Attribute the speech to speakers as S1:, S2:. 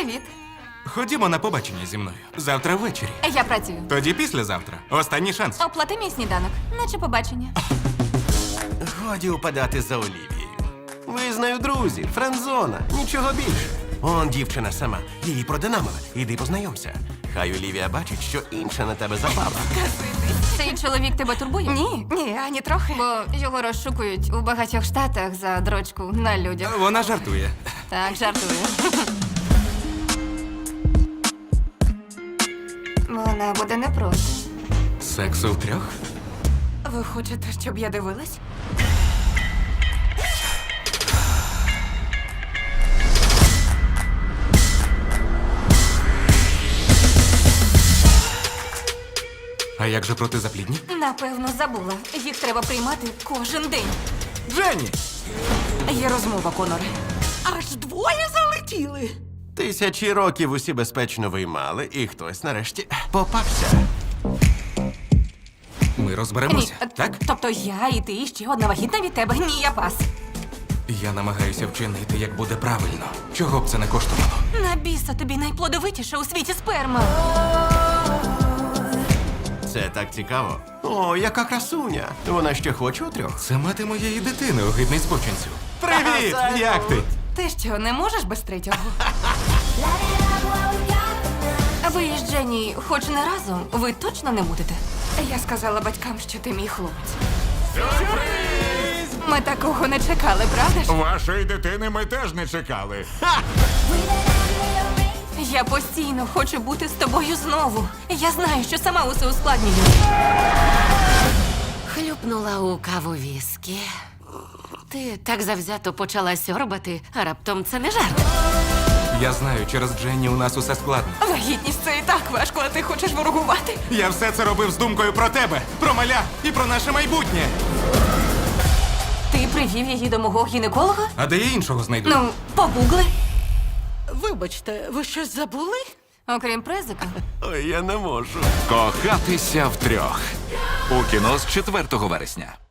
S1: Привіт.
S2: Ходімо на побачення зі мною. Завтра ввечері.
S1: Я працюю.
S2: Тоді післязавтра. Останній шанс.
S1: Оплати мій сніданок, наче побачення.
S3: Годі упадати за Олівією. Ви з нею друзі, френдзона, нічого більше. Он дівчина сама, її продинамили. Іди познайомся. Хай Олівія бачить, що інша на тебе забава.
S1: Цей чоловік тебе турбує?
S4: Ні, ані трохи.
S1: Бо його розшукують у багатьох штатах за дрочку на людях.
S2: Вона жартує.
S1: Так, жартую. Вона буде не проти.
S2: Сексу втрьох?
S4: Ви хочете, щоб я дивилась?
S2: А як же протизаплідні?
S1: Напевно, забула. Їх треба приймати кожен день.
S2: Дженні!
S4: Є розмова, Коноре. Аж двоє залетіли.
S3: Тисячі років усі безпечно виймали, і хтось нарешті попався.
S2: Ми розберемося, так?
S1: Тобто я і ти, і ще одна вагітна від тебе. Ні, я пас.
S2: Я намагаюся вчинити, як буде правильно. Чого б це не коштувало?
S1: На біса тобі найплодовитіша у світі сперма.
S3: Це так цікаво. О, яка красуня. Вона ще хоче у трьох.
S2: Це мати моєї дитини, огидний збочинцю. Привіт!
S3: Ага,
S2: Як ти?
S4: Ти що, не можеш без третього?
S1: Ви з Дженні хоч не разом, ви точно не будете?
S4: Я сказала батькам, що ти мій хлопець. Ми такого не чекали, правда ж?
S5: Вашої дитини ми теж не чекали.
S1: Я постійно хочу бути з тобою знову. Я знаю, що сама усе ускладнюю.
S6: Хлюпнула у каву віскі. Ти так завзято почала сьорбати, а раптом це не жарт.
S2: Я знаю, через Дженні у нас усе складно.
S4: Вагітність це і так важко, а ти хочеш ворогувати?
S2: Я все це робив з думкою про тебе, про маля і про наше майбутнє.
S1: Ти привів її до мого гінеколога?
S2: А де я іншого знайду?
S1: Ну, погугли.
S4: Вибачте, ви щось забули?
S1: Окрім презика.
S3: Ой, я не можу.
S5: Кохатися втрьох. У кіно з 4 вересня.